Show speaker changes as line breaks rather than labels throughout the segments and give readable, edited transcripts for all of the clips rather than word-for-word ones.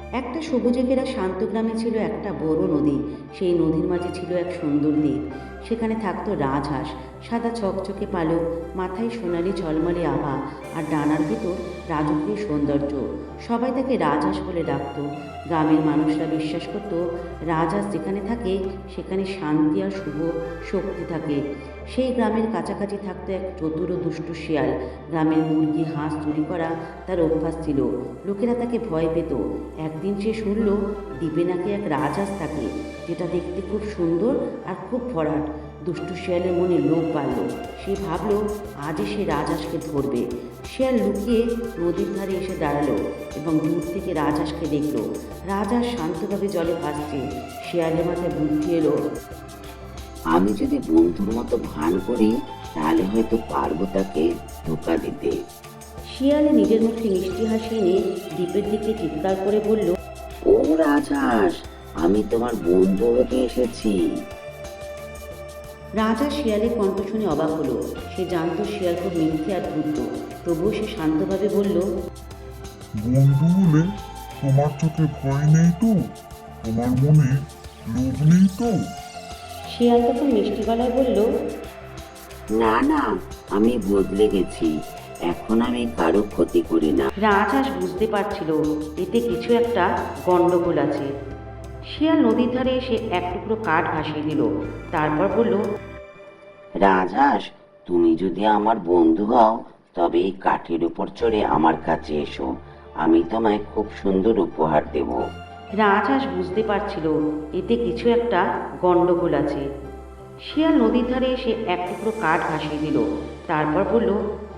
একটা সবুজে ঘেরা শান্ত গ্রামে ছিল একটা বড় নদী। সেই নদীর মাঝে ছিল এক সুন্দর দ্বীপ। সেখানে থাকতো রাজহাঁস, সাদা চকচকে পালক, মাথায় সোনালি ঝলমলে আভা, আর ডানার ভিতর রাজকীয় সৌন্দর্য। সবাই তাকে রাজহাঁস বলে ডাকত। গ্রামের মানুষরা বিশ্বাস করত রাজহাঁস যেখানে থাকে সেখানে শান্তি আর শুভ শক্তি থাকে। সেই গ্রামের কাছাকাছি থাকতো এক চতুর ও দুষ্টু শিয়াল। গ্রামের মুরগি হাঁস চুরি করা তার অভ্যাস ছিল। লোকেরা তাকে ভয় পেত। একদিন সে শুনল দ্বীপে নাকি এক রাজহাঁস থাকে, যেটা দেখতে খুব সুন্দর আর খুব ভরাট। দুষ্টু শিয়ালের মনে লোভ বাড়ল। সে ভাবল আজই সে রাজহাঁসকে ধরবে। শিয়াল লুকিয়ে নদীর ধারে এসে দাঁড়ালো এবং দূর থেকে রাজহাঁসকে দেখল। রাজহাঁস শান্তভাবে জলে ভাসছে। শিয়ালের মাথায় বুদ্ধি এলো,
আমি যদি বন্ধুর মতো ভান করি তাহলে হয়তো পারবো তাকে ধোকা দিতে।
শিয়াল নিজের মুখে মিষ্টি হাসি নিয়ে দ্বীপের দিকে চিৎকার করে বলল,
ও রাজহাঁস, আমি তোমার বন্ধু হতে এসেছি।
রাজা শিয়ালের কণ্ঠ শুনে অবাক হলো। সে জানতো শিয়াল খুব মিথ্যে আর ধূর্ত। তবুও সে শান্তভাবে বলল,
বন্ধু হলে তোমার চোখে ভয় নেই তো? তোমার মনে লোভ নেই তো?
শিয়াল তখন মিষ্টি গলায় বলল,
না না, আমি বদলে গেছি, এখন আমি কারো ক্ষতি করি না।
রাজহাঁস বুঝতে পারছিল এতে কিছু একটা গন্ডগোল আছে। শিয়াল নদীর ধারে এসে এক টুকরো কাঠ ভাসিয়ে দিল। তারপর বলল,
রাজহাঁস, তুমি যদি আমার বন্ধু হও তবে এই কাঠের উপর চড়ে আমার কাছে এসো, আমি তোমায় খুব সুন্দর উপহার দেব।
রাজহাঁস বুঝতে পারছিল এতে কিছু একটা গন্ডগোল আছে। শিয়াল নদীর ধারে এসে এক টুকরো কাঠ ভাসিয়ে দিল। তারপর বলল,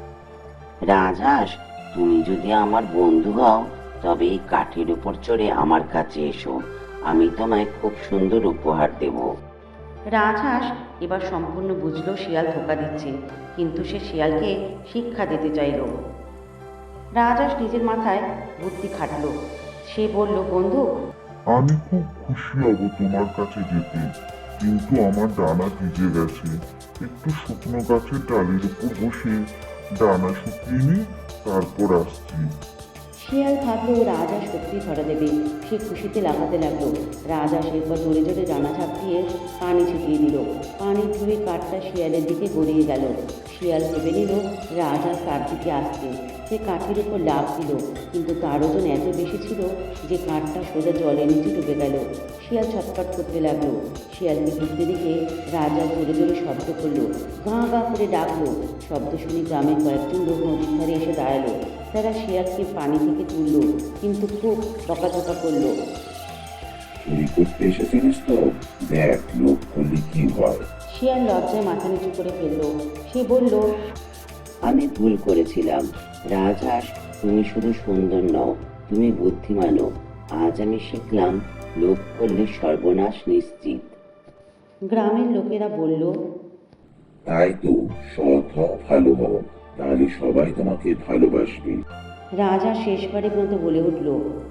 রাজহাঁস, তুমি যদি আমার বন্ধু হও তবে এই কাঠের উপর চড়ে আমার কাছে এসো, আমি তোমায় খুব সুন্দর উপহার দেব।
রাজহাঁস এবার সম্পূর্ণ বুঝল শিয়াল ধোঁকা দিচ্ছে, কিন্তু সে শিয়ালকে শিক্ষা দিতে চাইল। রাজহাঁস নিজের মাথায় বুদ্ধি খাটল। সে বলল, বন্ধু,
আমি খুব খুশি হব তোমার কাছে যেতে, কিন্তু আমার ডানা ভিজে গেছে। একটু শুকনো গাছের ডালের উপর বসে ডানা শুকিয়ে নি, তারপর আসছি।
শিয়াল ভাবলো রাজহাঁস সত্যি ধরা দেবে। সে খুশিতে লাফাতে লাগলো। রাজহাঁস এরপর জোরে জোরে ডানা ঝাঁপিয়ে পানি ছিটিয়ে দিল। পানির ঢেউয়ে কাঠটা শিয়ালের দিকে গড়িয়ে গেল। শিয়াল ভেবে নিল রাজহাঁস তার দিকে আসছে। সে কাঠের উপর লাফ দিল, কিন্তু তার ওজন এত বেশি ছিল যে কাঠটা সোজা জলের নিচে ডুবে গেল। শিয়াল ছটফট করতে লাগলো। শিয়ালকে ঢুকতে দেখে রাজহাঁস জোরে জোরে শব্দ করলো, গাঁ গাঁ করে ডাকলো। শব্দ শুনে গ্রামের কয়েকজন লোক নদীর ধারে এসে দাঁড়ালো। তারা শিয়ালকে পানি থেকে তুলল, কিন্তু খুব বকাঝকা করলো।
চুরি করতে এসেছিলিস তো? দেখ লোক করলে কি হয়।
শিয়াল লজ্জায় মাথা নিচু করে ফেললো। সে বলল,
আমি ভুল করেছিলাম। রাজহাঁস, তুমি শুধু সুন্দর নও, তুমি বুদ্ধিমানও। আজ আমি শিখলাম লোভ করলে সর্বনাশ নিশ্চিত।
গ্রামের লোকেরা বলল,
তাই তো, সৎ হও, ভালো হও, তাহলে সবাই তোমাকে ভালোবাসবে।
রাজা শেষবারের মতো বলে উঠল,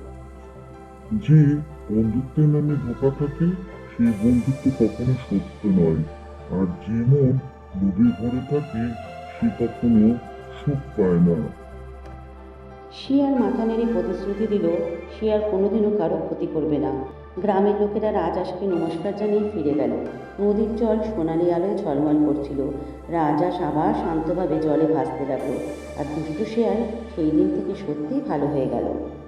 যে বন্ধুত্বের নামে ধোঁকা থাকে সেই বন্ধুত্ব কখনো সত্য নয়, আর যে মন লোভে ভরে থাকে সে কখনো সুখ পায় না।
শিয়াল মাথা নেড়ে প্রতিশ্রুতি দিল সে আর কোনোদিনও কারো ক্ষতি করবে না। গ্রামের লোকেরা রাজহাঁসকে নমস্কার জানিয়ে ফিরে গেল। নদীর জল সোনালি আলোয় ঝলমল করছিল। রাজহাঁস আবার শান্তভাবে জলে ভাসতে লাগলো। আর দুষ্টু শিয়াল সেই দিন থেকে সত্যিই ভালো হয়ে গেল।